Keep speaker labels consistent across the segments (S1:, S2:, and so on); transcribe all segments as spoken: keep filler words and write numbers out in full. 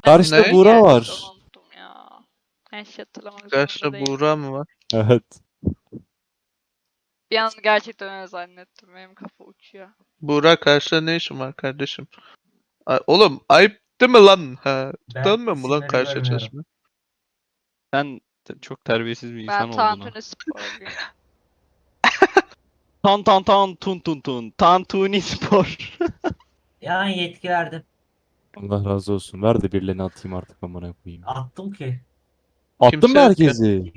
S1: Karşıda
S2: Ne?
S1: Buğra var.
S3: Unuttum ya. Her şey hatırlamak zorunda
S2: Karşıda
S3: değilim.
S2: Buğra mı var?
S1: Evet.
S3: Bir an gerçekten öyle zannettim. Benim kafa uçuyor.
S2: Buğra karşıda ne işin var kardeşim? Ay, oğlum ayıp değil mi lan? Ha, tanımıyor mu lan
S4: isimleri
S2: karşıya
S4: görmüyorum.
S2: çalışma?
S5: Sen te- çok terbiyesiz bir
S3: Ben
S5: insan oldun ha.
S3: Tantuni sporluyum.
S5: Tan tan tan tun tun tun. Tantuni spor.
S4: Yani yetki verdim.
S1: Allah razı olsun. Ver de birilerini atayım artık amına koyayım.
S4: Attım ki.
S1: Attın
S2: Kimse
S1: mı
S2: yok ki.
S1: herkesi?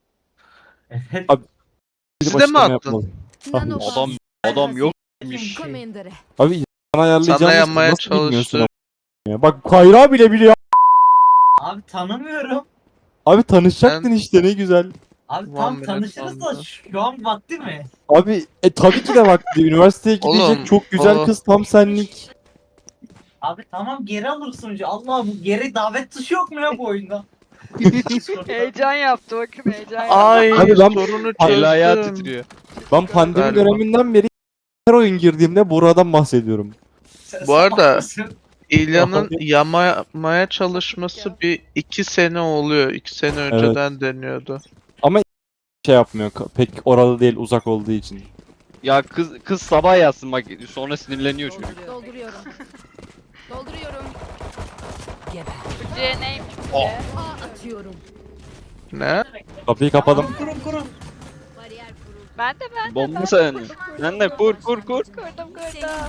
S4: Evet.
S1: Abi-
S2: Bizi
S1: Bir
S2: de mi
S1: açıklama
S2: attın?
S1: yapmalıyım.
S5: Adam adam yokmuş.
S6: Comandere.
S1: Abi sana ayarlayacağımız
S2: Sana yanmaya
S1: nasıl bilmiyorsun
S2: çalıştı.
S1: ama ya? Bak Kayra bile biliyor.
S4: Abi tanımıyorum.
S1: Abi tanışacaktın
S2: Ben-
S1: işte ne güzel.
S4: Abi
S2: One
S4: tam
S2: minute
S4: tanışırız da
S2: oldu.
S4: şu an vakti mi?
S1: Abi e tabii ki de vakti. Üniversiteye gidecek
S2: Oğlum,
S1: çok güzel
S2: o-
S1: kız tam senlik.
S4: Abi tamam geri alırsın önce. Allah bu geri davet tuşu yok mu ya bu oyunda?
S3: Heyecan yaptı bakın heyecan yaptı.
S2: Ay
S1: Abi ben-
S2: sorunu
S5: El ayağı
S2: çözdüm.
S5: titriyor.
S1: Ben pandemi
S2: Galiba.
S1: döneminden beri her oyun girdiğimde Buğra'dan bahsediyorum.
S4: Sen
S2: Bu arada-
S4: salak mısın?
S2: İlya'nın yamaya çalışması bir iki sene oluyor. İki sene önceden deniyordu.
S1: Şey yapmıyor ka- pek oralı değil uzak olduğu için.
S5: Ya kız kız sabah yazsın bak sonra sinirleniyor çocuk.
S6: Dolduruyorum. Dolduruyorum. Geber.
S3: Türkçe'ye neymiş bu
S5: Oh.
S3: be?
S6: A atıyorum.
S2: Ne?
S1: Kapıyı kapadım.
S4: Kurun kurun.
S6: Bariyer kuruldu.
S3: Ben de ben de
S5: Bomba
S3: ben
S5: sen.
S3: de.
S5: Sen de kur kur kur.
S3: Kırdım kırdım.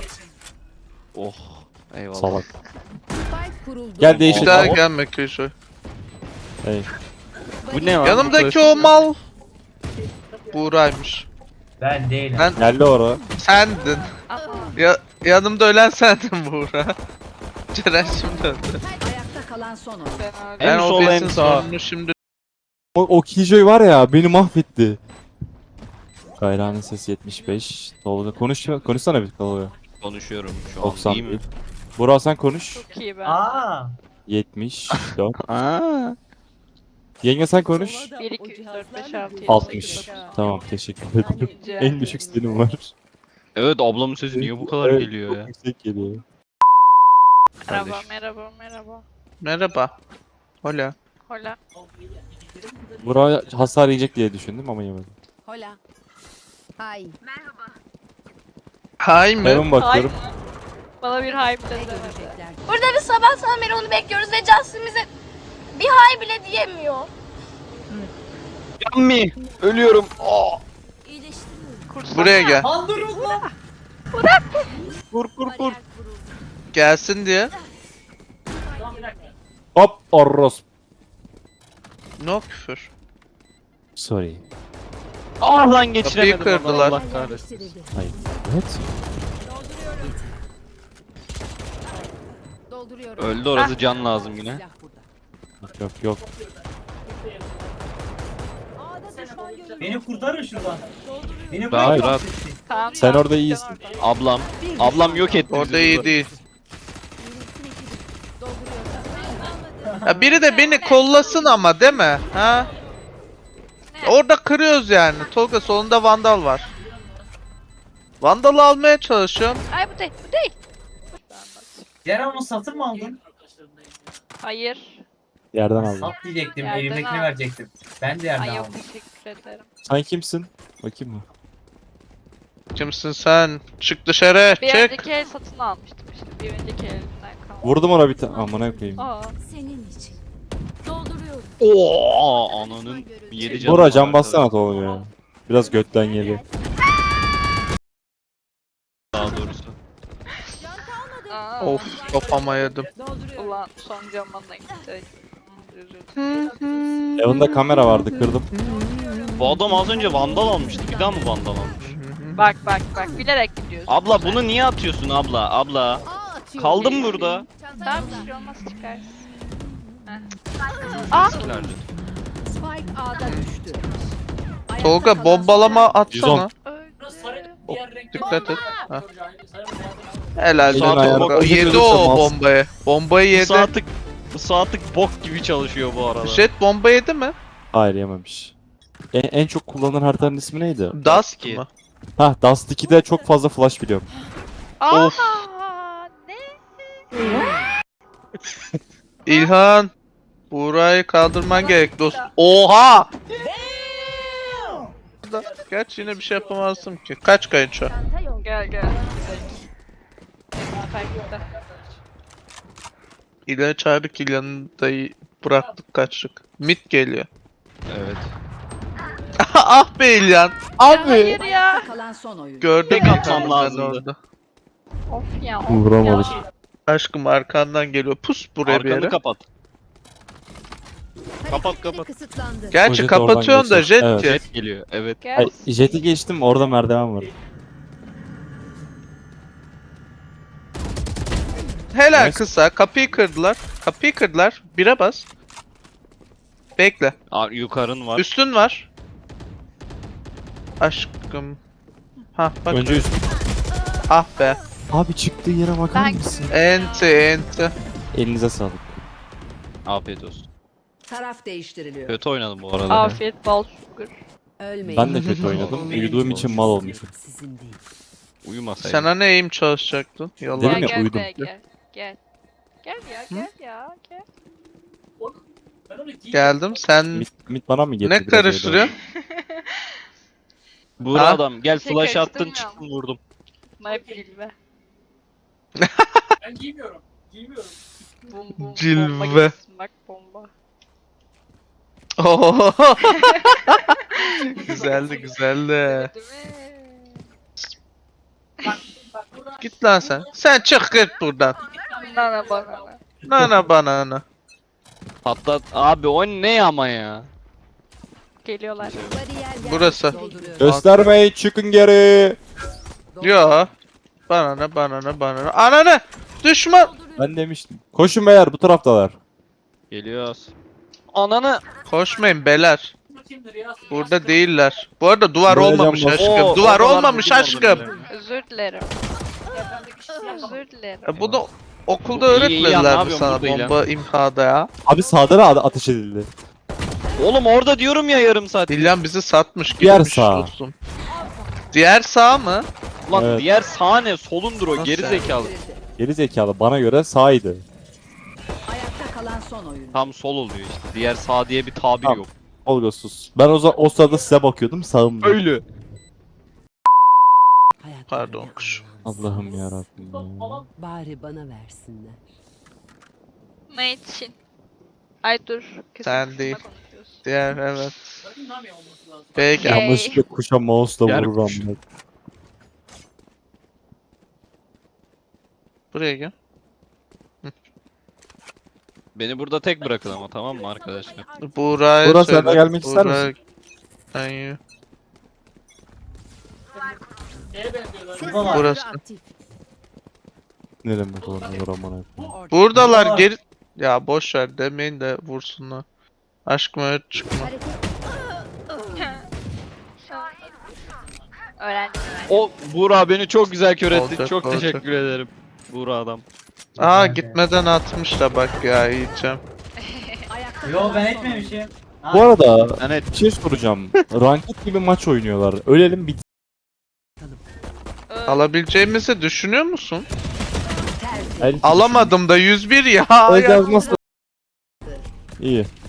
S5: Oh. Eyvallah.
S1: Salak.
S6: Spike kuruldu.
S1: Gel
S2: Bir
S1: değişik.
S2: daha
S5: Hop.
S2: gelme Kuşu.
S1: Hey.
S5: Bu ne var?
S2: Yanımdaki o mal Buğra'ymış.
S4: Ben değilim.
S2: Ben-
S1: Geldi ora.
S2: Sendin.
S3: Aha.
S2: Ya yanımda ölen sendin Buğra. Ceren şimdi öldü.
S6: Ayakta kalan son oyun.
S3: Ben öyle.
S5: En
S2: Ben
S5: sol,
S2: o
S5: en
S2: besin
S5: sağ.
S2: sorunu şimdi
S1: O, o Killjoy var ya beni mahvetti. Kayra'nın sesi yetmiş beş. Tolga konuş konuşsana bir Tolga.
S5: Konuşuyorum şu an
S1: doksan
S5: iyi mi?
S1: bir. Burak sen konuş.
S3: Çok iyi ben.
S4: Aa.
S1: yetmiş dört.
S5: Aa.
S1: Yenge sen konuş.
S3: bir iki üç dört beş altı yedi
S1: altmış.
S3: sekiz dokuz.
S1: Tamam teşekkür ederim. En düşük stilim var.
S5: Evet ablamın sesi niye bu kadar
S1: Evet,
S5: geliyor
S1: çok
S5: ya?
S1: yüksek geliyor.
S3: Merhaba
S5: Kardeşim.
S3: merhaba merhaba.
S2: merhaba. Hola.
S3: Hola.
S1: Burak hasar yiyecek diye düşündüm ama yemedim.
S6: Hola. Hay.
S2: Hay mı?
S1: Hemen bakıyorum.
S3: Hay. Bana bir hype
S6: Ne
S3: dedi.
S6: görecekler?
S7: Burada bir sabahtan beri onu bekliyoruz ve Justin bize bir hay bile diyemiyor.
S5: Yammi. Ölüyorum. Oh.
S6: İyileştiriyorum.
S2: Buraya gel.
S4: Lan durun lan.
S5: Kur kur kur.
S2: Gelsin diye.
S1: Hop orros.
S2: No küfür.
S1: Sorry.
S5: Ah lan geçiremedim.
S2: Kapıyı kırdılar.
S5: Allah kahretsin.
S6: Yerleştirildi.
S1: Hayır. Evet.
S6: Dolduruyorum.
S5: Öldü orası can lazım yine.
S6: Silah burada.
S1: Yok yok.
S4: Beni kurtarın şuradan. Beni
S5: Rahat,
S4: bırakın.
S5: rahat.
S3: Tamam,
S1: Sen
S3: tamam,
S1: orada
S3: sen
S1: iyisin.
S3: orada.
S5: Ablam. Ablam yok etti bizi
S2: Orada iyi
S5: burada.
S2: değil.
S6: Dolduruyorum.
S2: Ya biri de beni kollasın ama değil mi? Ha? Orada kırıyoruz yani. Tolga solunda vandal var. Vandalı almaya çalışıyorum.
S3: Ay bu değil bu değil.
S4: Ceren onu satın mı aldın?
S3: Hayır.
S1: Yerden aldım.
S4: Sat diyecektim.
S3: Yerden
S4: Elimdekini
S3: al.
S4: verecektim. Ben de yerden
S3: Ay yok
S4: aldım.
S3: teşekkür ederim.
S1: Sen kimsin? Bakayım mı?
S2: Kimsin sen? Çık dışarı.
S3: Bir
S2: Çık.
S3: önceki el satın almıştım işte. Bir önceki elimden kaldı.
S1: Vurdum ona bir tane. Amına koyayım.
S3: Aa.
S6: Senin için. Dolduruyorum.
S5: Oo, ananın yedi canı.
S1: Burak
S5: var
S1: can bassana
S5: arkadaşlar.
S1: Tolga ya. Biraz götten geliyor.
S5: Daha doğrusu.
S3: Aa.
S2: Of kafama yedim.
S3: Ulan son camına gitti. Üzüldüm.
S1: Evinde kamera vardı kırdım.
S5: Bu adam az önce vandal almıştı. Bir daha mı vandal almış?
S3: Bak bak bak bilerek gidiyorsun.
S5: Abla bunu niye atıyorsun abla? Abla.
S6: A atıyorum.
S5: Kaldım burada.
S3: Tamam bir şey olmaz çıkarsın. Heh. Aa.
S5: Eskilerdi.
S6: Spike A'da düştü. Ayakta
S2: Tolga
S6: kalan
S2: bombalama
S6: son
S2: atsana.
S3: Öldü.
S2: Dikkat et. Ha. Helal
S1: Elin
S2: sana
S1: ayağına
S2: Tolga.
S1: koyup
S2: Yedi
S1: ölürse
S2: o
S1: mal.
S2: bombayı. Bombayı
S5: Bu
S2: yedi.
S5: saatlik, bu saatlik bok gibi çalışıyor bu arada.
S2: Jet bomba yedi mi?
S1: Hayır yememiş. En, en çok kullanılan haritanın ismi neydi?
S2: Dust
S5: iki.
S2: mı?
S1: Hah Dust iki'de çok fazla flash biliyorum.
S3: Aa,
S2: Of.
S3: ne?
S2: İlhan. Buğra'yı kaldırman gerek dost. Oha! Gerçi yine bir şey yapamazdım ki. Kaç kayınço?
S6: Çanta yol.
S3: Gel gel. Spike'da.
S2: İlhan'ı çağırdık, İlhan'ı da bıraktık kaçtık. Mid geliyor.
S5: Evet.
S2: Ah be İlhan.
S3: Ya
S2: Abi.
S3: hayır ya.
S6: Kalan son oyun.
S2: Gördüm
S5: Tek atmam
S2: ben
S5: lazımdı.
S2: orada.
S3: Of ya. Of
S1: Vuramadık.
S3: ya.
S2: Aşkım arkandan geliyor. Pus buraya bir
S5: Arkanı
S2: yere.
S5: kapat. Kapat,
S6: Hareketleri
S5: kapat.
S6: kısıtlandı.
S2: Gerçi
S1: O jet oradan
S2: kapatıyorsun da
S1: geçiyor.
S2: jet
S1: Evet.
S2: ki.
S5: Jet geliyor. Evet.
S3: Gel.
S1: Ay, jet'i geçtim orada merdiven var.
S2: Helal
S1: Evet.
S2: kısa. Kapıyı kırdılar. Kapıyı kırdılar. Bire bas. Bekle.
S5: Aa, yukarın var.
S2: Üstün var. Aşkım. Ha bak.
S1: Önce üst.
S2: Ah be.
S1: Abi çıktığı yere bakar
S3: Ben-
S1: mısın?
S2: Enti enti.
S1: Elinize sağlık.
S5: Afiyet olsun.
S6: Taraf değiştiriliyor.
S5: Kötü oynadım bu arada.
S3: Afiyet bal şükür.
S6: Ölmeyin.
S1: Ben de kötü oynadım. Uyuduğum için mal olmuşum.
S6: Sizin değil.
S5: Uyumasaydım.
S2: Sen hani eğim çalışacaktın.
S1: Dedim
S2: Yalan.
S3: Gel
S1: ya,
S3: gel
S1: uyudum.
S3: gel gel. Gel. Gel ya gel ya gel.
S2: Geldim. Sen
S1: Mit, mit bana mı getirdi?
S2: ne
S1: biraz
S2: karıştırıyorsun?
S5: Buğra
S2: Ha?
S5: adam gel
S3: Şey
S5: flash attın
S3: karıştırmıyorum.
S5: çıktın vurdum.
S3: Mayıp cilve.
S4: Ben giymiyorum. Giymiyorum.
S3: Bum bum.
S2: Cilve.
S3: Bomba gibisin, bak bomba.
S2: Oo. güzeldi güzeldi.
S3: Değil mi?
S2: Git lan sen. Sen çık git buradan.
S3: Nana banana.
S2: Nana banana.
S5: Patlat. Abi o ne ama ya.
S3: Geliyorlar.
S6: Bariyer
S2: Burası.
S6: dolduruyor.
S1: Göstermeyin, çıkın geri.
S2: Yo. Banana banana banana. Ananı. Düşman.
S1: Ben demiştim. Koşun beyler, bu taraftalar.
S5: Geliyoruz. Ananı.
S2: Koşmayın beler. Burada değiller. Bu arada duvar
S1: Böyle
S2: olmamış
S1: cam boş.
S2: aşkım.
S5: Oo,
S2: duvar
S5: oralar
S2: olmamış
S5: vurdum
S2: aşkım.
S5: oradan.
S3: Özür dilerim. Özür dilerim.
S2: E bunu okulda
S5: İyi, iyi, iyi, ne
S2: öğretmediler mi
S5: yapıyorsun
S2: sana
S5: burada İlhan?
S2: bomba imhada ya?
S1: Abi sağda da ateş edildi.
S5: Oğlum orada diyorum ya yarım saat.
S2: Dilyan bizi satmış
S1: Diğer
S2: gitmiş
S1: sağ.
S2: dostum. Diğer sağ mı?
S5: Ulan
S1: Evet.
S5: diğer sağ ne? Solundur o
S2: Nasıl
S5: geri
S2: yani?
S5: zekalı.
S1: Geri zekalı, bana göre sağydı.
S6: Ayakta kalan son oyun.
S5: Tam sol oluyor işte. Diğer sağ diye bir tabir
S1: Tamam.
S5: yok.
S1: Olgosuz. Ben o, za- o sırada size bakıyordum, sağımda.
S5: Öyle.
S2: Pardon kuş.
S1: Allah'ım yarabbim ya.
S6: Bari bana versinler.
S3: Ne için? Ay dur. kesin
S2: Sen
S3: kısımda
S2: değil.
S3: konuşuyoruz.
S2: Diğer evet.
S4: Nami olması lazım.
S2: Peki.
S3: Yay.
S1: Yanlışlıkla kuşa mouse'la
S5: Yer
S1: vururum.
S5: kuş.
S1: ben.
S2: Buraya gel.
S5: Beni burada tek bırakın ama tamam mı arkadaşlar?
S2: Buğra'ya
S1: Buğra, sen
S2: söyle.
S1: de gelmek ister
S2: Buğra-
S1: misin?
S2: Sen yürü.
S4: Neye benziyorlar?
S6: Ses
S2: Burası.
S6: sensörü aktif.
S1: Ne demek oğlum, vuramana.
S6: Orada.
S2: Buradalar
S4: Buğra.
S2: geri... Ya boş ver demeyin de vursunlar. Aşkım öyle çıkma.
S6: Hareket.
S3: Öğrendim.
S5: O Buğra beni çok güzel kör etti.
S2: Olacak,
S5: Çok
S2: olacak.
S5: teşekkür ederim. Buğra adam.
S2: Aa gitmeden atmış da bak ya yiyeceğim.
S6: Ayakta
S4: Yo
S6: kalan
S4: ben
S6: son
S4: etmemişim. Ha,
S1: Bu arada
S5: Evet.
S1: bir şey soracağım. Ranked gibi maç oynuyorlar. Ölelim bit.
S2: Alabileceğimizi düşünüyor musun?
S6: oyun. Tersi.
S1: El-
S2: Alamadım da yüz bir ya.
S1: Öyle yazmazsa- İyi.